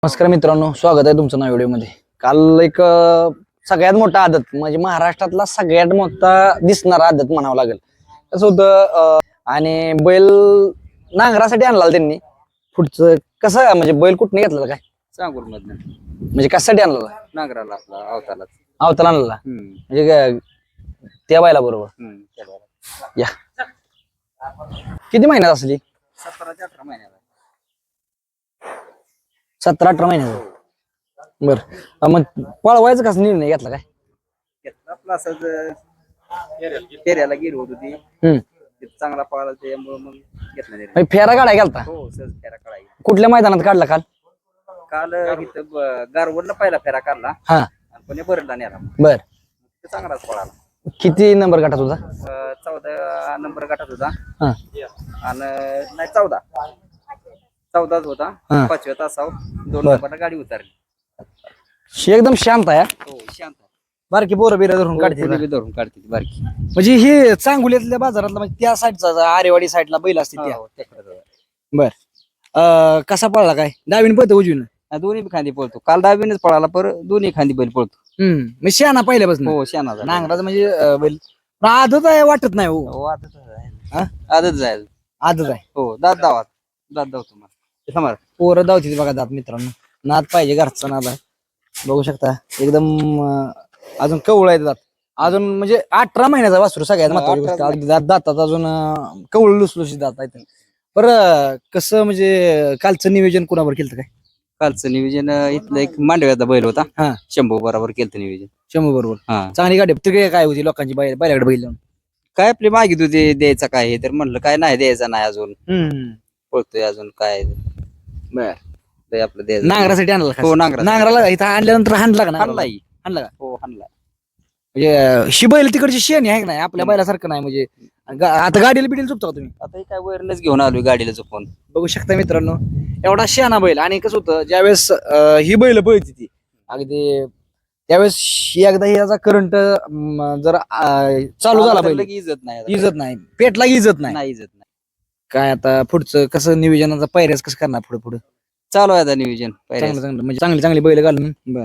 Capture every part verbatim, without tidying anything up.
नमस्कार मित्रांनो, स्वागत आहे तुमचं नव्या व्हिडिओमध्ये. काल एक अ, सगळ्यात मोठा आदत म्हणजे महाराष्ट्रातला सगळ्यात मोठा दिसणारा आदत म्हणावं लागेल. कसं होतं अ, आणि बैल नांगरासाठी आणला त्यांनी. पुढचं कसं म्हणजे बैल कुठने घेतला काय सांगूर मधनं म्हणजे कशासाठी आणला नांगराला आपला अवताला. अवताला आणला म्हणजे काय, त्या बैला बरोबर या किती महिन्यात असली? सतरा ते अठरा महिन्याला. सतरा अठरा महिन्यात. बर मग पळवायचं कसं निर्णय घेतला काय? घेतला आपला असंच फेऱ्याला गेलो होतो ती हम्म तिथं चांगला पळाला त्यामुळे मग घेतला निर्णय. म्हणजे फेरा काढाय गेलता? हो सहज फेरा काढायला. कुठल्या मैदानात काढला काल? काल इथं ब- गारवडला पहिला फेरा काढला हा आणि पुणे बरडला नेला. बर. ते चांगलाच पळाला. किती नंबर गटात होता? अं, चौदा नंबर गटात होता हा आणि नाही चौदा चौदाच होता. हा. पाचव्या तासावर दोन बर. नंबरला गाडी उतरली. शी एकदम शांत आहे. हो शांत. बारकी पोरं बिरं धरून काढते. पुढे बी धरून काढते ती बारकी. म्हणजे हे चांगुल्यातल्या बाजारातला म्हणजे त्या साईडचा आरेवाडी साईडला बैल असते त्या. हो, त्याकडे जाऊ. बर. अं, कसा पळला काय? डावीन पळतो उजवीन? हा, दोन्ही बी खांदी पळतो. काल डावीनेच पळाला पर दोन्ही खांदी बैल पळतो. हम्म म्हणजे शहाणा पहिल्यापासून. हो शाना झाला. नांगराचं म्हणजे अं, बैल पण आदत आहे वाटत नाही हो. हो आदत आहे. हा? आदत जाईल. आदत आहे. हो दात दावात दात दाव तुम्हाला समोर. पोरं धावतील बघा दात मित्रांनो. नाद पाहिजे, घरचा नाद आहे. बघू शकता एकदम अं, अजून कवळ आहे दात. अजून म्हणजे अठरा महिन्याचा वासरू सगळ्यात हा, महत्वाची अठरा गोष्ट. अगदी दात दातात अजून अं, कवळ लुसलुशीत दात आहेत. बरं कसं म्हणजे कालचं नियोजन कोणावर केलं काय? कालचं नियोजन अं, इथलं एक मांडव्याचा बैल होता. हा. शंभू बरोबर केलं नियोजन. शंभू बरोबर. हा चांगली गाडी तिकडे काय होती लोकांची बैल बैलाकडे बैल लावून. काय आपली मागित होती द्यायचा काय हे, तर म्हणलं काय नाही द्यायचा नाही अजून हम्म. पळतोय अजून काय बर. ते आपलं द्यायचं. नांगरासाठी आणला का? हो, नांगरासाठी. नांगराला इथं आणल्यानंतर हाणला का? हाणला ही. हाणला का? हो हाणला. म्हणजे शी बैल तिकडची शेणी आहे का नाही आपल्या बैलासारखं नाही म्हणजे गा- आता गाडीला बिडीला चुकता का तुम्ही? आता हे काय वरनच घेऊन आलोय गाडीला चुकून. बघू शकता मित्रांनो एवढा शहाणा बैल. आणि कसं होतं ज्यावेळेस अं, ही बैल पळती ती अगदी त्यावेळेस ही एकदा याचा करंट जर अं, चालू झाला आला तर बैल लगे इज्जत नाही आता. इजत नाही, पेटला की इजत नाही. नाही इज्जत नाही. काय आता पुढचं कसं नियोजनाचा पायऱ्याच कसं करणार पुढे पुढे? चालू आहे आता नियोजन पहिल्याच. चांगलं चांगलं म्हणजे चांगली चांगली बैल घालून. बर.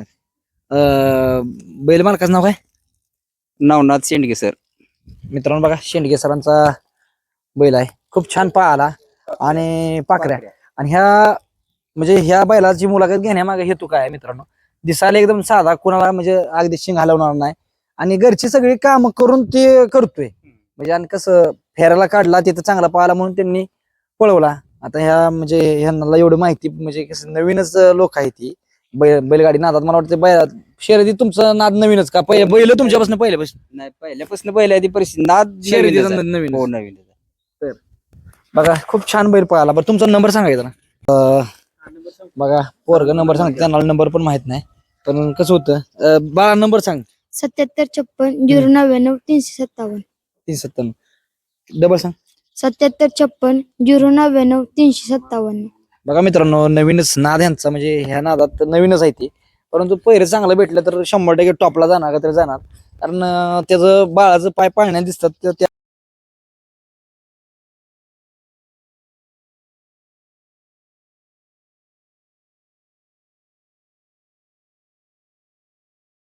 बैल मालकाचं नाव काय? नवनाथ शेंडगे सर. मित्रांनो बघा शेंडगे सरांचा बैल आहे. खूप छान पाहाला आणि पाकऱ्या. आणि ह्या म्हणजे ह्या बैलाची मुलाखत घेण्यामागे हेतू काय आहे मित्रांनो? दिसायला एकदम साधा, कोणाला म्हणजे अगदी शिंग हलवणार नाही आणि घरची सगळी काम करून ते करतोय. म्हणजे आणि कसं फेरायला काढला तिथं चांगला पाहिला म्हणून त्यांनी पळवला. आता ह्या म्हणजे ह्यांना एवढं माहिती म्हणजे कसं नवीनच लोक आहे ती बैल बैलगाडी नादात. मला वाटतं बैल शर्यती तुमचं नाद नवीनच का? पहिले बैल तुमच्यापासून पहिल्यापासून नाही पहिल्यापासून बैल आहे ती परिस्थिती नाद शर्यतीचा नवीनच आहे. नवीन. हो नवीन. बघा खूप छान बैल पळाला. बरं तुमचा नंबर सांगायचा ना? अं, बघा पोरग नंबर सांगते, त्यांना नंबर पण माहित नाही. पण कसं होतं अं, बाळा नंबर सांग. सत्याहत्तर छप्पन झिरो नव्याण्णव तीनशे सत्तावन्न. तीन सत्तावन्न डबल सांग. सत्याहत्तर छप्पन झिरो नव्याण्णव तीनशे सत्तावन्न. बघा मित्रांनो नवीनच नाद यांचा म्हणजे ह्या नादात नवीनच आहे ती. परंतु पहिरे चांगलं भेटलं तर शंभर टक्के टॉपला जाणार का तर जाणार. कारण अं, त्याचं बाळाचं पाय पाळण्यात दिसतात त्या